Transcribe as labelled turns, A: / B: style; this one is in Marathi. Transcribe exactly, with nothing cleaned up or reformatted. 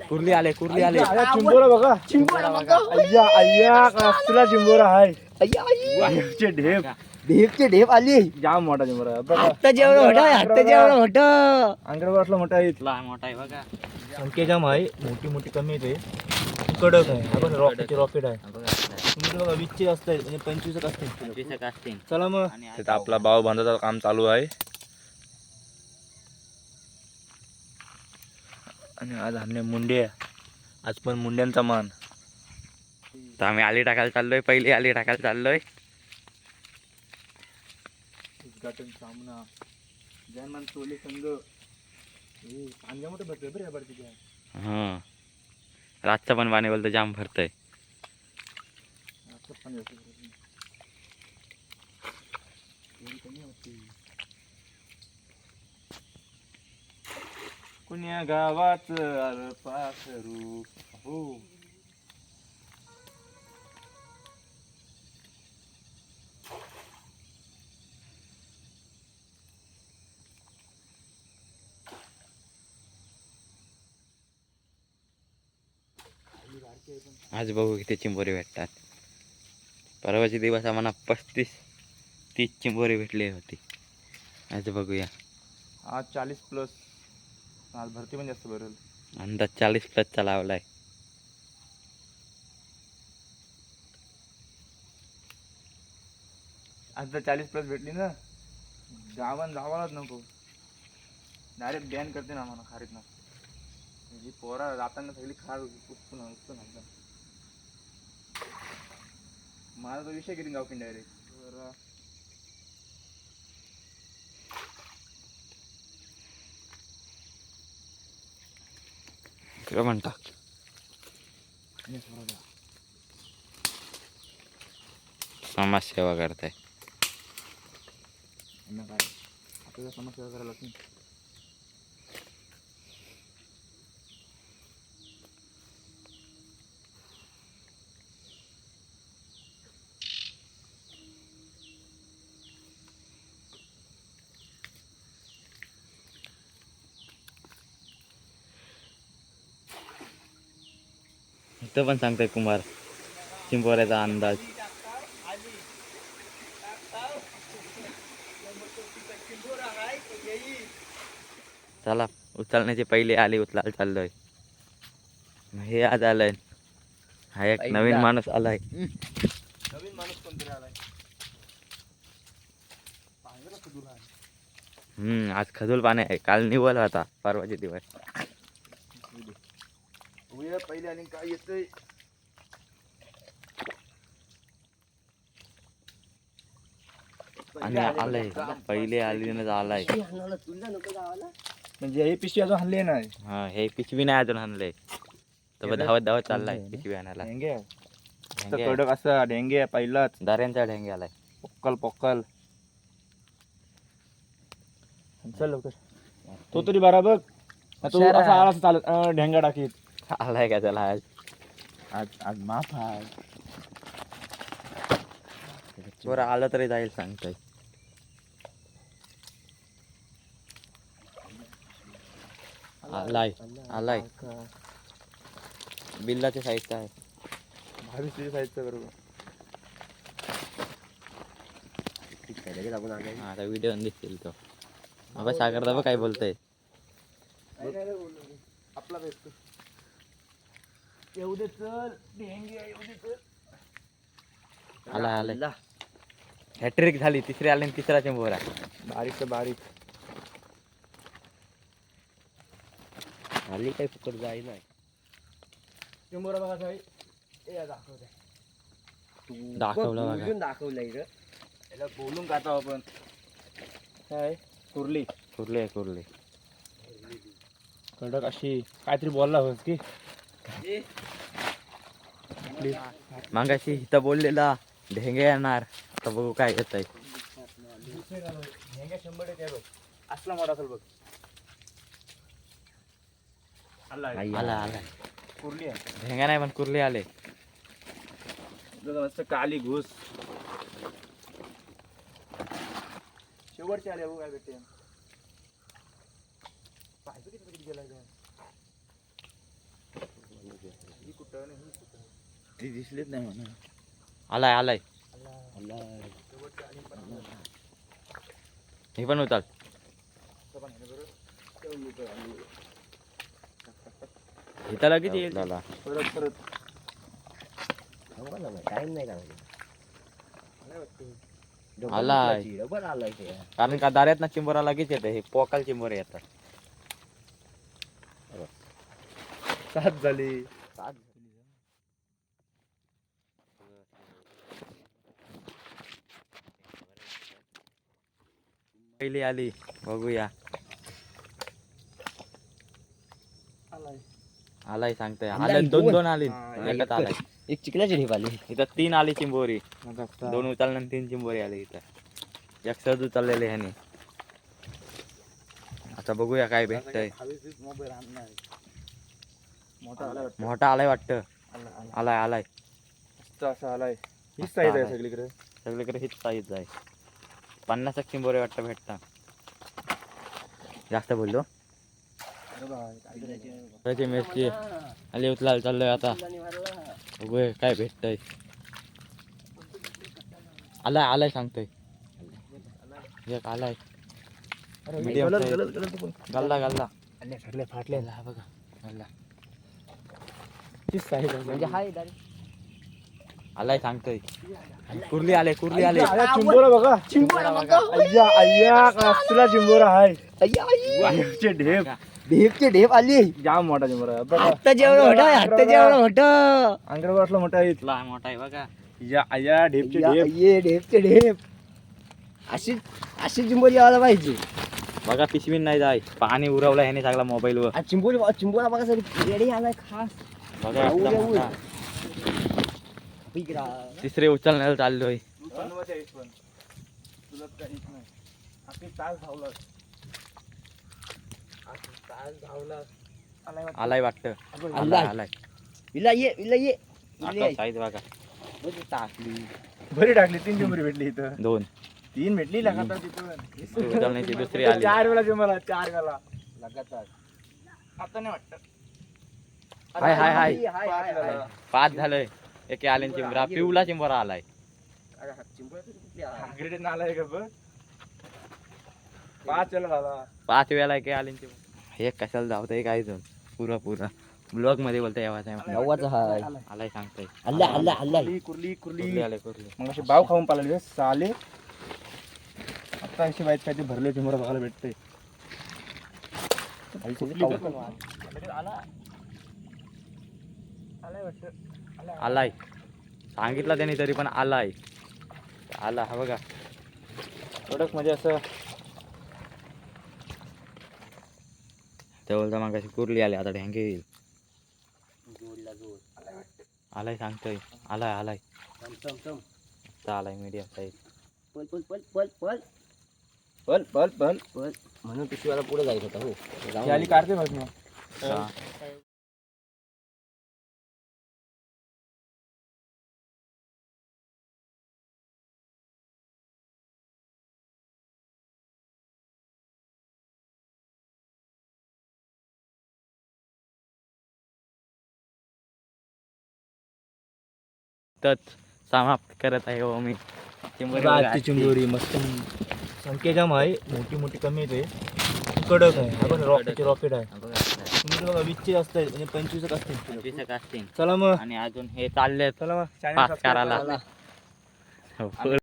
A: कुर्ली आले कुर्ली आले
B: चिंबोरा बघा
C: चिंबोरा बघा.
B: अय्या अय्या कसला चिंबोरा आहे
C: अय्या, अय्या.
B: ढेपचे ढेप
C: ढेपचे ढेप आली.
B: जाम मोठा चिंबोरा आहे. बघा
C: आत्ता जेवढं मोठं आहे, आत्ता जेवढं मोठं.
B: अंगरवर असला मोठा आहे
A: मोठा आहे बघा.
B: संख्या जाम आहे मोठी मोठी कमी येते कडक आहे आपण रॉकेट रॉकेट आहे तुमचं बघा वीसचे असते म्हणजे पंचवीस असते चला मग तिथं आपला भाव बांधाचं काम चालू आहे आणि आज आमने मुंडे आज पण मुंड्यांचा मान
A: तर आम्ही आली टाकायला चाललोय पहिली आली टाकायला चाललोय.
B: उद्घाटन सामना जयमान सोले संघ हे पांजा मोठे भरतोय बरं या बारतीच्या
A: हा रातचं पण पाणी बोलतं जाम भरतंय.
B: आता पाणी होतं एवढी कमी होती कुण्या गावात आर पाखरू हो
A: आज बघू किती चिंबोरी भेटतात. परवाचे दिवस आम्हाला पस्तीस तीस चिंबोरी भेटली होती. आज बघूया
B: आज चाळीस प्लस आज भरती पण जास्त भरेल
A: अंदाज चाळीस प्लसचा लावलाय.
B: आज जर चाळीस प्लस भेटली ना गावान जावालाच नको डायरेक्ट बॅन करते ना आम्हाला खारीत ना ही पोरा जाताना सगळी खार उपसून उपसून आणतात माझा तो विषय किती गावकीन डायरेक्ट
A: काय म्हणता समाजसेवा करताय
B: काय आपल्याला समाजसेवा करायला लागते
A: इथं पण सांगताय कुमार चिंबोऱ्याचा अंदाज. चला उचलण्याची पहिले आली उचलायला चाललोय. हे आज आलंय हा एक नवीन माणूस आलाय.
B: नवीन माणूस कोणतरी आलाय
A: हम्म आज खजूल पाणी आहे. काल निवल होता परवाचे दिवस.
B: पहिले आणि काय येतंय
A: आणि आलंय पहिले आलीनच आलाय.
B: म्हणजे हे पिशवी अजून हल्ली नाही
A: हा हे पिशवी नाही अजून आणलंय तर धावत धावत चाललाय पिशवी आणायला.
B: ढेंगे कडक असा ढेंगे पहिलाच
A: दाऱ्यांचा ढेंगे आलाय.
B: पोक्कल पोक्कल चल लवकर तो तरी बरा बघ तो असा आला चालत ढेंगा टाकीत
A: आलाय का त्याला आज
B: आज आज माफ आहे
A: बरं आलं तरी जाईल सांगतोय. आलाय आलाय बिल्लाच्या साईजचा आहे.
B: भावीस साईजचा बरोबर
A: हा आता व्हिडिओ दिसतील तो. बाबा सागर दाबा काय बोलतोय.
B: आपला बेस्ट येऊ दे चल ढेंगे येऊ दे चल.
A: आला आलाय हॅट्रिक झाली. तिसरी आली आणि तिसरा चिंबोरा
B: बारीक तर बारीक
A: आली काही फुकट जाई नाही.
B: चिंबोरा बघा साई ए दाखवते
A: दाखवलं बघा
C: दाखवलंय ग
B: याला बोलून काढतो आपण काय कुर्ली
A: कुर्ले कुर्ले
B: कडक अशी काहीतरी बोलला होस की
A: मागाशी इथं बोललेला ढेंगे येणार आता बघू काय येत आहे.
B: शंभर टक्के बघ असला मोठा असेल बघ.
A: आला आला
B: कुर्ली आहे
A: ढेंगा नाही पण कुर्ले आले.
B: मस्त काली घुस शेवटचे आले बघू काय भेटते पाहिजे किती किती गेला ती दिसलीच नाही म्हणा.
A: आलाय आलाय हे पण उचल. इथं लगेच येईल त्याला.
B: परत परत
C: टाइम नाही का
A: आलाय.
C: डबल आलाय ते.
A: कारण का दाऱ्यात ना चिंबोरा लगेच येतं. हे पोकाल चिंबोरे येतात.
B: सात झाली.
A: पहिली आली बघूया. आलाय सांगतोय. आलाय दोन दोन आली. एकच आलाय.
C: एक चिकल्याची ढेप आली.
A: इथं तीन आली चिंबोरी. दोन उचलल्यानंतर तीन चिंबोरी आली इथं. एक सहज उचललेले ह्याने. आता बघूया काय भेटतंय. मोठा आलाय वाटतं. आलाय आलाय
B: असा आलाय. हीच साईज आहे सगळीकडे.
A: सगळीकडे हीच साईज आहे. पन्नास एक चिंबोरे वाटतं भेटता. जास्त बोललो. त्याची मिरची आली उचलायला चाललोय आता. बघूया काय भेटतंय. आलाय आलाय सांगतोय. एक आलाय मीडियम गल्ला गल्ला
C: फाटलेला
A: हा बघा गल्ला.
B: तीच साईज आहे.
C: म्हणजे हाय
A: आलाय सांगतोय. कुर्ली आले कुर्ली आले.
B: चिंबोरा बघा.
C: चिंबोरा बघा.
B: अय्या अय्या कसला चिंबोरा आहे.
C: अय्या अय्या.
B: ढेपचे ढेप.
C: ढेपची ढेप आली.
B: जाम मोठा चिंबोरा आहे. बघा
C: आता जेवढं मोठं आहे. आता जेवढं मोठं.
B: अंगरवर असला मोठा आहे.
A: इथला मोठा आहे बघा.
B: या अय्या ढेपचे ढेप.
C: ये ढेपचे ढेप. अशी अशी चिंबोरी यायला पाहिजे.
A: बघा पिशवी नाही जाय. पाणी उरवलं ह्याने सगळा मोबाईल वर.
C: आज चिंबोरी चिंबोरा बघा सर रेडी आलाय खास.
A: बघा
C: उरे,
A: एकदम
C: उरे.
A: मोठा.
C: बिगरा.
A: तिसरे उचलण्याला चाललोय. आलाय वाटतं. आलाय आलाय.
C: इला ये इला ये इला ये.
A: साईज बघा.
C: टाकली.
B: बरी टाकली. तीन चिंबोरी भेटली इथं.
A: दोन
B: तीन भेटली लगातार तिथून.
A: उचलण्याची दुसरी आली.
B: चार वेळा चिंबोरा. चार वेळा
C: लगातार.
B: आता नाही वाटत.
A: हाय हाय हाय.
C: हाय हाय हाय.
A: पाच झालंय. एके आले चिंबरा. पिवला चिंबरा आलाय.
B: ग्रेडेड नाला आहे का बघ. पाच वेळा झाला.
A: पाच वेळा एके आले चिंबरा. हे कशाला धावतंय काय जण. पुरा पुरा ब्लॉग मध्ये बोलतोय आवाज.
C: नव्वाचा हाय.
A: आलाय सांगतोय.
C: अल्ला अल्ला अल्ला.
B: कुर्ली कुर्ली
A: कुर्ली
B: कुर्ली.
A: आले कुर्ली.
B: मग असे बाव खाऊन पाळले साले. आता अशी वाईट काय ते भरले चिंबोरा बघायला भेटते.
A: आलाय सांगितलं त्याने तरी पण आलाय. आला हा बघा.
B: कडक म्हणजे असं
A: ते बोलता मग अशी कुर्ली आली. आता ढँगे येईल. आलाय सांगतोय. आलाय आलाय. आता आलाय मीडियम साईज.
C: पल पल पल पल पल
B: पल पल पल
C: पल म्हणून पिशवीला पुढे जायचं होतं. हो
B: ही आली काढते बस मग.
A: हा. समाप्त करत आहे हो मी.
B: आजची चिंबोरी मस्त संख्या जाम आहे. मोठी मोठी कमी येते. कडक आहे. आपण रॉकेट रॉकेट आहे. तुम्ही बघा वीसचे जास्त आहे. म्हणजे पंचवीस असतील. चला मग.
A: आणि अजून हे चालले
B: चला मग
A: पाच करायला.